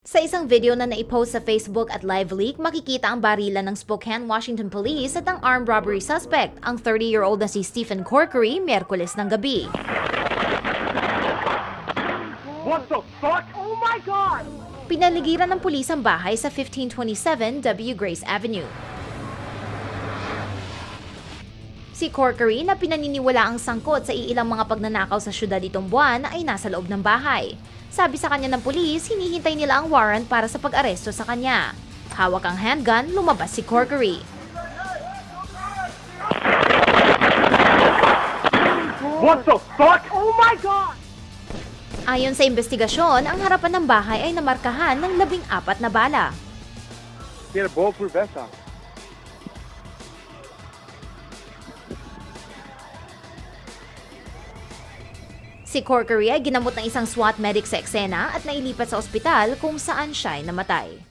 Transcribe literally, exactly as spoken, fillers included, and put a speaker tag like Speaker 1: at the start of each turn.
Speaker 1: Sa isang video na naipost sa Facebook at live leak, makikita ang barilan ng Spokane, Washington Police at ang armed robbery suspect, ang thirty-year-old na si Stephen Corkery, Miyerkules ng gabi.
Speaker 2: What the fuck? Oh my God!
Speaker 1: Pinaligiran ng pulis ang bahay sa fifteen twenty-seven W. Grace Avenue. Si Corkery na pinaniniwala ang sangkot sa iilang mga pagnanakaw sa syudad itong buwan ay nasa loob ng bahay. Sabi sa kanya ng pulis, hinihintay nila ang warrant para sa pag-aresto sa kanya. Hawak ang handgun, lumabas si Corkery.
Speaker 2: What the fuck? Oh my God!
Speaker 1: Ayon sa investigasyon, ang harapan ng bahay ay namarkahan ng labing apat na bala.
Speaker 2: He had a bulletproof vest on.
Speaker 1: Si Corkery ay ginamot ng isang SWAT medic sa eksena at nailipat sa ospital kung saan siya ay namatay.